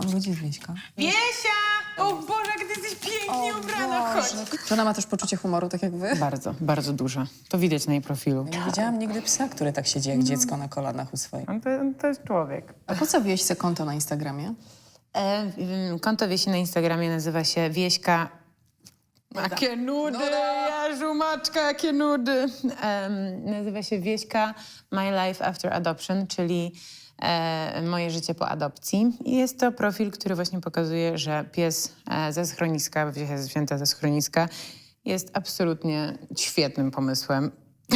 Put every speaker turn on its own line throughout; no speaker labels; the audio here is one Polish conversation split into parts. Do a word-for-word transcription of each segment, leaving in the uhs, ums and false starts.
mam godzin, Wieśka.
Wiesia! O Boże, jak ty jesteś pięknie ubrana, chodź.
Czy ona ma też poczucie humoru, tak jak wy?
Bardzo, bardzo duża. To widać na jej profilu.
Nie widziałam nigdy psa, który tak siedzi jak dziecko na kolanach u swojej.
On to, on to jest człowiek.
A po co Wieśce konto na Instagramie?
E, y, konto Wiesi na Instagramie nazywa się Wieśka... Jakie nudy, Jezu, maczka, jakie nudy. Em, nazywa się Wieśka My Life After Adoption, czyli e, moje życie po adopcji. I jest to profil, który właśnie pokazuje, że pies e, ze schroniska, Wiesia zwierzęta ze schroniska, jest absolutnie świetnym pomysłem.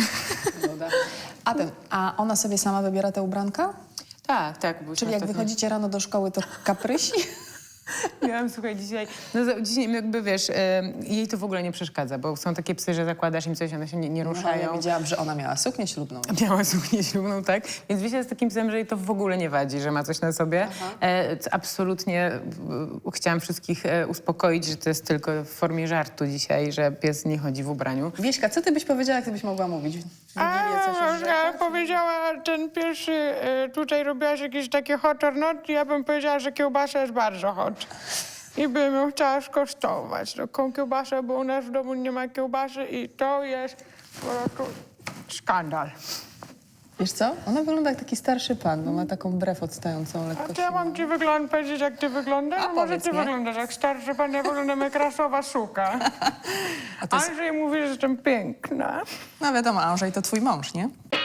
A ten, a ona sobie sama wybiera te ubranka?
Tak, tak. byłyśmy
Czyli jak
ostatnio-
wychodzicie rano do szkoły, to kaprysi?
Miałam, słuchaj, dzisiaj, no za- dzisiaj jakby wiesz, e, jej to w ogóle nie przeszkadza, bo są takie psy, że zakładasz im coś, one się nie, nie
Ja
ruszają.
widziałam, że ona miała suknię ślubną.
Miała suknię ślubną, tak? Więc Wiesia jest takim psem, że jej to w ogóle nie wadzi, że ma coś na sobie. E, c- absolutnie e, chciałam wszystkich e, uspokoić, że to jest tylko w formie żartu dzisiaj, że pies nie chodzi w ubraniu.
Wieśka, co ty byś powiedziała, jak ty byś mogła mówić? W Wigilię coś
A,
już
ja powiedziała, ten pierwszy, y, tutaj robiłaś jakieś takie hot or not, ja bym powiedziała, że kiełbasa jest bardzo hot. I bym ją chciała skosztować. Taką kiełbasę, bo u nas w domu nie ma kiełbasy i to jest po prostu skandal.
Wiesz co? Ona wygląda jak taki starszy pan, bo ma taką brew odstającą lekko.
A czy ja mam ci wygląd powiedzieć, jak ty wyglądasz?
A
Może
powiedz
ty
mi.
wyglądasz jak starszy pan, ja wyglądam jak rasowa suka.
A to jest,
Andrzej mówi, że jestem piękna.
no wiadomo, Andrzej to twój mąż, nie?